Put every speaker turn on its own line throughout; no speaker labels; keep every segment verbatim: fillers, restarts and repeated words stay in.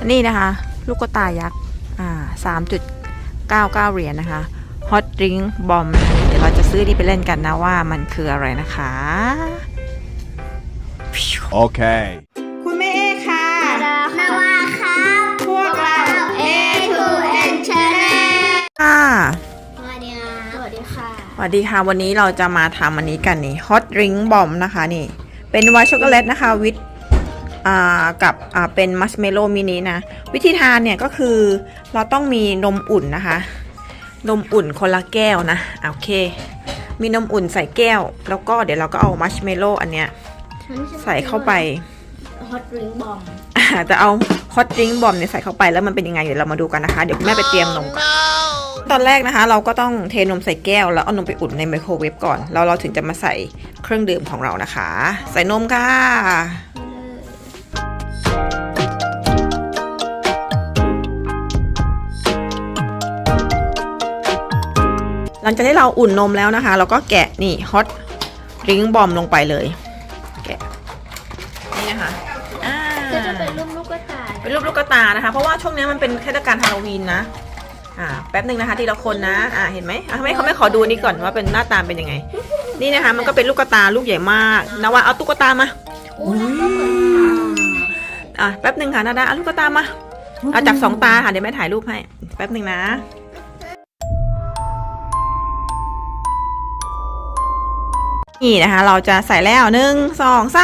นี่นะคะลูกกระตายักษ์อ่าสามจุดเก้าเก้าเหรียญนะคะ Hot Drink Bomb นะคะเดี๋ยวเราจะซื้อที่ไปเล่นกันนะว่ามันคืออะไรนะคะ
โอเค
คุณแม่เอค่ะ
นาวาครับ
พวกเรา
เอ ทู เอ็น Channel
ค่ะ
สวัสดีค่ะสวัสดีค่ะ
สวัสดีค่ะวันนี้เราจะมาทำอันนี้กันนี่ Hot Drink Bomb นะคะนี่เป็นไวท์ช็อกโกแลตนะคะวิทอ่ากับอ่าเป็นมัชเมลโล่มินินะวิธีทานเนี่ยก็คือเราต้องมีนมอุ่นนะคะนมอุ่นคนละแก้วนะโอเคมีนมอุ่นใส่แก้วแล้วก็เดี๋ยวเราก็เอามัชเมลโล่อันเนี้ยใส่เข้าไป
Hot Drink Bomb
จะเอา Hot Drink Bomb เนี่ยใส่เข้าไปแล้วมันเป็นยังไงเดี๋ยวเรามาดูกันนะคะเดี๋ยวแม่ไปเตรียมนมก่อนตอนแรกนะคะเราก็ต้องเทนมใส่แก้วแล้วเอานมไปอุ่นในไมโครเวฟก่อนแล้วเราถึงจะมาใส่เครื่องดื่มของเรานะคะใส่นมค่ะหลังจากที่เราอุ่นนมแล้วนะคะเราก็แกะนี่ Hot Drink Bomb ลงไปเลยแกะนี่นะคะอ่า
ก็จะเป็นรูปลูกกระต่าย
เป็นรูปลูกกระตานะคะเพราะว่าช่วงนี้มันเป็นเทศกาลฮาโลวีนนะอ่าแป๊บหนึ่งนะคะทีละคนนะอ่าเห็นไหมอ่ะไม่เขาไม่ขอดูนี่ก่อนว่าเป็นหน้าตาเป็นยังไงนี่นะคะมันก็เป็นลูกกระตาลูกใหญ่มากนะว่าเอาตุ๊กตามา
โอ้แล้วก็เหมือน
อ่ะแป๊บหนึ่งค่ะนาดาเอาลูกกระตามาเอาจับสองตาค่ะเดี๋ยวแม่ถ่ายรูปให้แป๊บหนึ่งนะนี่นะคะเราจะใส่แล้วหนึ่งสองสาม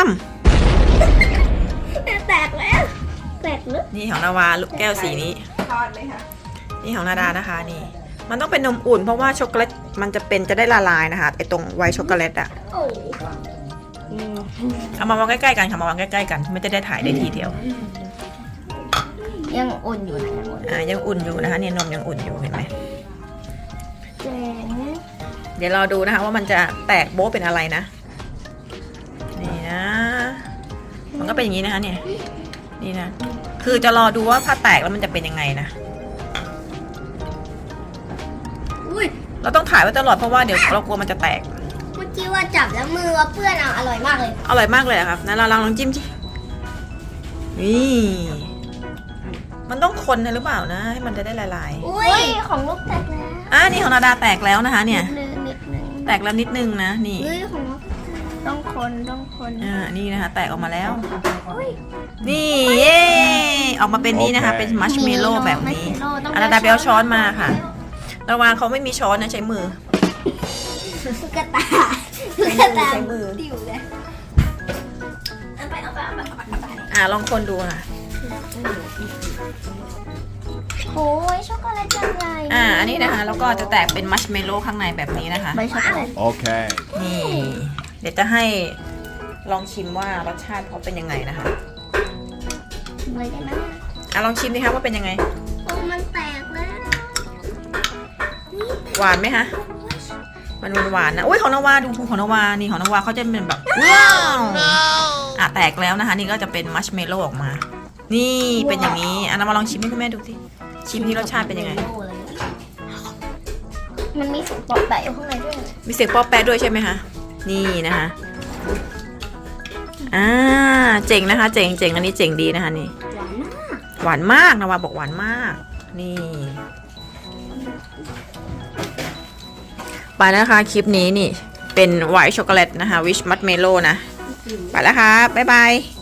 แตกแล้วแตกลึก
นี่ของนาวาลูกแก้วสีนี้นี่ของนาดานะคะนี่มันต้องเป็นนมอุ่นเพราะว่าช็อกโกแลตมันจะเป็นจะได้ละลายนะคะไอตรงไวท์ช็อกโกแลตอะ
โอ้
เอามาวางใกล้ๆกันค่ะมาวางใกล้ๆกันไม่จะได้ถ่ายได้ทีเดียว
ยังอุ่นอยู่นะยังอุ่น
อ่ายังอุ่นอยู่นะคะเนี่ยนมยังอุ่นอยู่เห็นไหม
เจ๋ง
เดี๋ยวรอดูนะคะว่ามันจะแตกโบ๊ะเป็นอะไรนะนี่นะมันก็เป็นอย่างนี้นะคะเนี่ยนี่นะคือจะรอดูว่าถ้าแตกแล้วมันจะเป็นยังไงนะ
อุ้ย
เราต้องถ่ายไว้ตลอดเพราะว่าเดี๋ยวเรากลัวมันจะแตก
เมื่อกี้ว่าจับแล้วมือว่าเปื้อนอ่ะอร่อยมากเลย
อร่อยมากเลยอะครับนะเราลองลองจิ้มสินี่มันต้องคนนะหรือเปล่านะให้มันจะได้ละลาย
อุ้ยของลูกแตกแล้ว
อ่ะนี่ของนาดาแตกแล้วนะคะเนี่ย
นิดนึงนิดนึง
แตกแล้วนิดนึงนะนี่
เฮ้ยของลูกต้องคนต้องคน
อ่านี่นะคะแตกออกมาแล้ว
อุ้ย
นี่เย้ออกมาเป็นนี้นะคะเป็นมัชเมลโล่แบบนี้อานาดาไปเอาช้อนมาค่ะระวังเขาไม่มีช้อนนะใช้มือ
ตุ๊กตาตุ๊กตา
ใช้มือ
ติ๋วเลยเอาไปเอาไปเอาไปเอาไปเอาไป
อ่าลองคนดูค่ะ
โอ้ยช็อกโกแลตจังไง
อ่าอันนี้นะคะแล้วก็จะแตกเป็นมัชเมลโล่ข้างในแบบนี้นะคะ
ใบช็อกโกแลต
โอเค
นี่เดี๋ยวจะให้ลองชิมว่ารสชาติเขาเป็นยังไงนะคะ
เลยได้ไหม
อ่ะลองชิมดิคะว่าเป็นยังไง
โอ้มันแตกแล้ว
หวานไหมคะมันหวานๆนะอุ้ยของนาวาดูของนาวานี่ของนาวาเขาจะเป็นแบบว้าวอ่ะแตกแล้วนะคะนี่ก็จะเป็นมัชเมลโล่ออกมา นี่เป็นอย่างนี้อ่ะนาวาลองชิมให้คุณแม่ดูสิชิมที่รสชาติเป็นยังไง
มันมีเสียงปอกแปะอยู่ข้างในด้วย
มีเสียงป๊อปแปะด้วยใช่ไหมคะนี่นะคะอ่าเจ๋งนะคะ เจ๋งเจ๋งอันนี้เจ๋งดีนะคะนี่
หวานมาก
หวานมากนาวาบอกหวานมากนี่ไปแล้วนะคะคลิปนี้นี่เป็นไวท์ช็อกโกแลตนะคะวิชมัดเมโลนะไปแล้วค่ะบ๊ายบาย